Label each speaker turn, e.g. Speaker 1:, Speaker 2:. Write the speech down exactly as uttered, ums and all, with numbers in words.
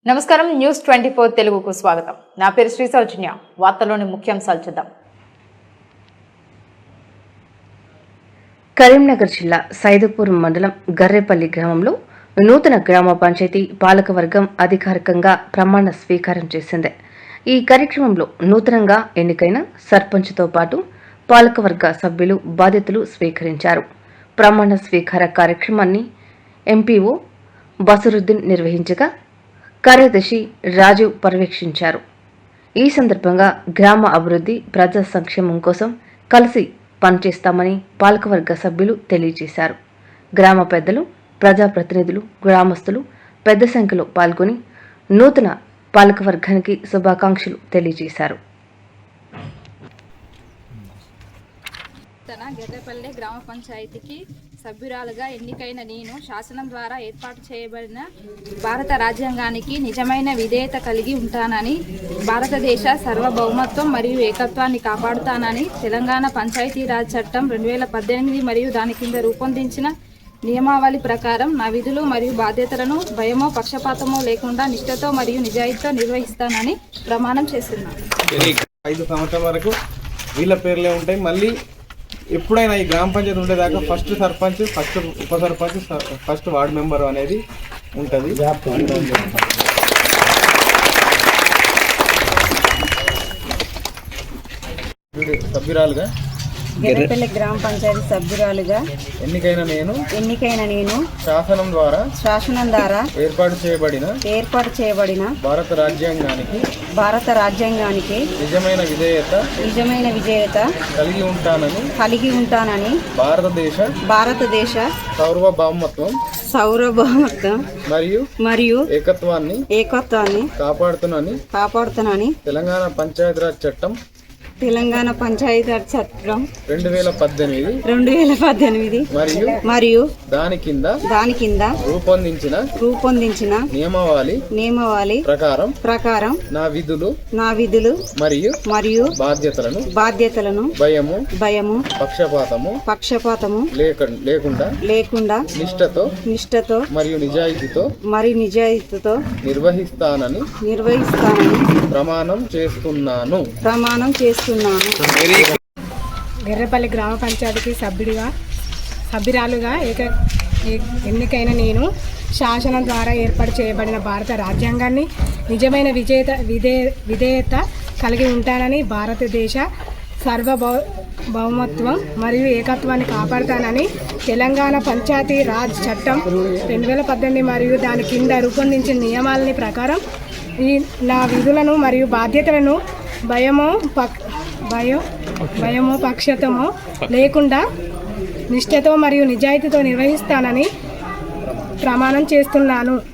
Speaker 1: నమస్కారం news twenty four తెలుగుకు స్వాగతం. నా పేరు శ్రీ సౌజన్య. వార్తలోని ముఖ్యాంశాలు చూద్దాం.
Speaker 2: కరీంనగర్ జిల్లా సైదుపూర్ మండలం గర్రేపల్లి గ్రామంలో నూతన గ్రామ పంచాయతీ పాలకవర్గం అధికారికంగా ప్రమాణ స్వీకారం చేసింది. ఈ కార్యక్రమంలో నూతనంగా ఎన్నికైన సర్పంచ్తో పాటు పాలకవర్గ సభ్యులు బాధ్యతలు స్వీకరించారు. ప్రమాణ స్వీకార కార్యక్రమాన్ని ఎంపీఓ బసరుద్దీన్ నిర్వహించగా కార్యదర్శి రాజు పర్యవేక్షించారు. ఈ సందర్భంగా గ్రామ అభివృద్ధి, ప్రజా సంక్షేమం కోసం కలిసి పనిచేస్తామని పాలకవర్గ సభ్యులు తెలియజేశారు. గ్రామ పెద్దలు, ప్రజాప్రతినిధులు, గ్రామస్తులు పెద్ద సంఖ్యలో పాల్గొని నూతన పాలకవర్గానికి శుభాకాంక్షలు తెలియజేశారు.
Speaker 3: గర్రేపల్లి గ్రామ పంచాయతీకి సభ్యురాలుగా ఎన్నికైన నేను శాసనం ద్వారా ఏర్పాటు చేయబడిన భారత రాజ్యాంగానికి నిజమైన విధేయత కలిగి ఉంటానని, భారతదేశ సార్వభౌమత్వం మరియు ఏకత్వాన్ని కాపాడుతానని, తెలంగాణ పంచాయతీరాజ్ చట్టం రెండు వేల పద్దెనిమిది మరియు దాని కింద రూపొందించిన నియమావళి ప్రకారం నా విధులు మరియు బాధ్యతలను భయమో పక్షపాతమో లేకుండా నిష్ఠతో మరియు నిజాయితీతో నిర్వహిస్తానని ప్రమాణం చేస్తున్నాను.
Speaker 4: ఐదు సంవత్సరాల వరకు వీళ్ళ పేర్లే ఉంటాయి. మళ్ళీ ఎప్పుడైనా ఈ గ్రామ పంచాయతీ ఉండేదాకా ఫస్ట్ సర్పంచ్, ఫస్ట్ ఉప సర్పంచ్, ఫస్ట్ వార్డు మెంబర్ అనేది ఉంటుంది. సభ్యురాలుగా
Speaker 5: గర్రేపల్లి గ్రామ పంచాయతీ సభ్యురాలుగా
Speaker 4: ఎన్నికైన నేను
Speaker 5: ఎన్నికైన నేను
Speaker 4: శాసనం ద్వారా
Speaker 5: శాసనం ద్వారా
Speaker 4: ఏర్పాటు చేయబడిన
Speaker 5: ఏర్పాటు చేయబడిన
Speaker 4: భారత రాజ్యాంగానికి
Speaker 5: భారత రాజ్యాంగానికి
Speaker 4: నిజమైన విధేయత
Speaker 5: నిజమైన విజేత
Speaker 4: కలిగి ఉంటానని
Speaker 5: కలిగి ఉంటానని
Speaker 4: భారతదేశ
Speaker 5: భారతదేశ
Speaker 4: సార్వభౌమత్వం
Speaker 5: సార్వభౌమత్వం
Speaker 4: మరియు
Speaker 5: మరియు
Speaker 4: ఏకత్వాన్ని
Speaker 5: ఏకత్వాన్ని
Speaker 4: కాపాడుతున్నానని
Speaker 5: కాపాడుతానని
Speaker 4: తెలంగాణ పంచాయతీరాజ్ చట్టం
Speaker 5: తెలంగాణ పంచాయతీరాజ్ చట్టం
Speaker 4: రెండు వేల పద్దెనిమిది
Speaker 5: రెండు వేల పద్దెనిమిది
Speaker 4: మరియు
Speaker 5: మరియు
Speaker 4: దాని కింద
Speaker 5: దాని కింద
Speaker 4: రూపొందించిన
Speaker 5: రూపొందించిన
Speaker 4: నియమావళి
Speaker 5: నియమావళి
Speaker 4: ప్రకారం
Speaker 5: ప్రకారం
Speaker 4: నా విధులు
Speaker 5: నా విధులు
Speaker 4: మరియు
Speaker 5: మరియు
Speaker 4: బాధ్యతలను
Speaker 5: బాధ్యతలను
Speaker 4: భయము
Speaker 5: భయము
Speaker 4: పక్షపాతము
Speaker 5: పక్షపాతము
Speaker 4: లేక లేకుండా
Speaker 5: లేకుండా
Speaker 4: నిష్ఠతో
Speaker 5: నిష్ఠతో
Speaker 4: మరియు నిజాయితీతో
Speaker 5: మరి నిజాయితీతో
Speaker 4: నిర్వహిస్తానని
Speaker 5: నిర్వహిస్తానని
Speaker 4: ప్రమాణం చేస్తున్నాను
Speaker 5: ప్రమాణం చేస్తున్నాను.
Speaker 6: గర్రేపల్లి గ్రామ పంచాయతీకి సభ్యుడిగా సభ్యురాలుగా ఏక ఎన్నికైన నేను శాసనం ద్వారా ఏర్పాటు చేయబడిన భారత రాజ్యాంగాన్ని నిజమైన విజేత విధే విధేయత కలిగి ఉంటానని, భారతదేశ సార్వభౌ భౌమత్వం మరియు ఏకత్వాన్ని కాపాడుతానని, తెలంగాణ పంచాయతీ రాజ్ చట్టం రెండు వేల పద్దెనిమిది మరియు దాని కింద రూపొందించిన నియమాలని ప్రకారం ఈ నా విధులను మరియు బాధ్యతలను భయమో పక్ భయం భయమో పక్షతమో లేకుండా నిష్ఠతో మరియు నిజాయితీతో నిర్వహిస్తానని ప్రమాణం చేస్తున్నాను.